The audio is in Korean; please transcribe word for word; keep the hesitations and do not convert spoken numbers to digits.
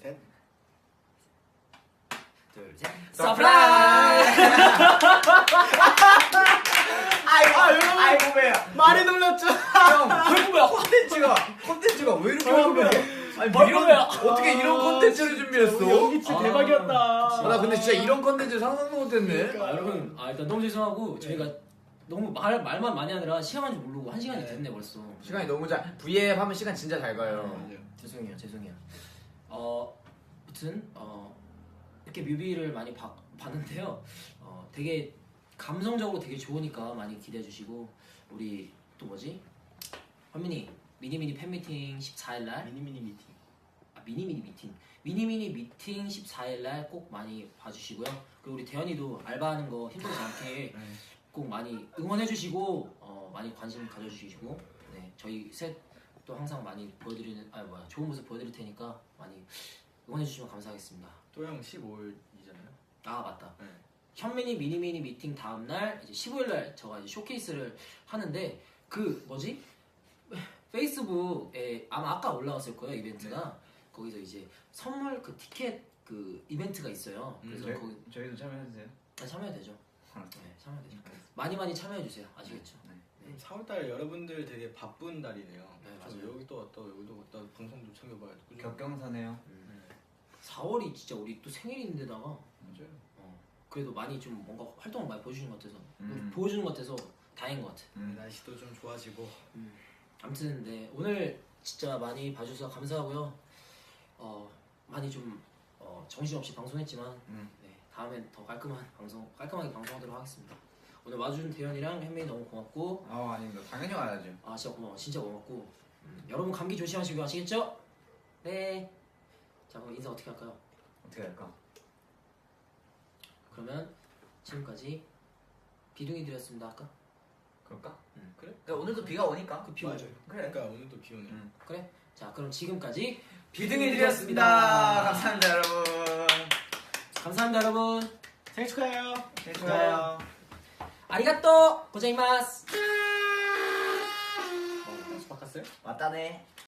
셋. 둘, 셋. 서프라이즈! 아이고, 아, 여러분. 아이고, 왜요? 많이 놀랐죠? 형, 아이고, 왜요? 콘텐츠가, 콘텐츠가 왜 이렇게 완벽해? 아니, 뭐 이런, 어떻게 이런 콘텐츠를 준비했어? 연기 진짜 아, 대박이었다. 아, 나 근데 진짜 이런 콘텐츠 상상도 못했네. 아, 여러분, 아, 일단 너무 죄송하고 저희가 너무 말, 말만 많이 하느라 시간 간줄 모르고 한 시간이 됐네 벌써. 시간이 너무 잘, 브이앱 하면 시간 진짜 잘 가요. 죄송해요, 죄송해요. 어, 아무튼 어 이렇게 뮤비를 많이 봐, 봤는데요. 어, 되게 감성적으로 되게 좋으니까 많이 기대해 주시고 우리 또 뭐지? 현민이 미니미니 팬미팅 십사 일 날 미니미니 미팅. 아, 미니미니 미팅 미니미니 미팅 십사 일 날 꼭 많이 봐주시고요. 그리고 우리 대현이도 알바하는 거 힘들지 않게 꼭 많이 응원해 주시고 어, 많이 관심 가져주시고 네, 저희 셋 또 항상 많이 보여드리는 아 뭐야 좋은 모습 보여드릴 테니까 많이 응원해 주시면 감사하겠습니다. 또 형 십오 일이잖아요. 아 맞다. 네. 현민이 미니미니 미팅 다음 날 이제 십오 일 날 제가 이제 쇼케이스를 하는데 그 뭐지 페이스북에 아마 아까 올라왔을 거예요 이벤트가. 네. 거기서 이제 선물 그 티켓 그 이벤트가 있어요. 그래서 음, 저희, 거기 저희도 참여해주세요. 아, 참여해도 되죠. 네, 참여해도 되죠. 많이 많이 참여해 주세요. 아시겠죠? 네. 네. 사월달 여러분들 되게 바쁜 달이네요. 네, 그래서 맞아요. 여기 또 왔다 여기도 왔다 방송도 챙겨봐야 되고. 격경사네요. 음. 사월이 진짜 우리 또 생일인데다가 맞아요. 어, 그래도 많이 좀 뭔가 활동을 많이 보여주는 것 같아서 음. 보여주는 것 같아서 다행인 것 같아. 음. 날씨도 좀 좋아지고. 음. 아무튼 네 오늘 진짜 많이 봐주셔서 감사하고요. 어 많이 좀 어, 정신없이 방송했지만 음. 네, 다음엔 더 깔끔한 방송 깔끔하게 방송하도록 하겠습니다. 오늘 와준 대현이랑 현민이 너무 고맙고 어, 아닙니다. 당연히 와야죠. 아 진짜 고마워 진짜 고맙고 음, 여러분 감기 조심하시고 아시겠죠? 네. 자 그럼 인사 어떻게 할까요? 어떻게 할까? 그러면 지금까지 비둥이들이었습니다. 아까 그럴까? 음. 그래? 그러니까 오늘도 비가 오니까. 그 비 오죠. 그래. 그러니까 오늘도 비 오네요. 음. 그래? 자 그럼 지금까지 비등이들이었습니다. 감사합니다, 여러분. 감사합니다 여러분. 생일 축하해요. 네, 좋아요. 아리가또 고자이마스. 어, 바꿨어요? 왔다네.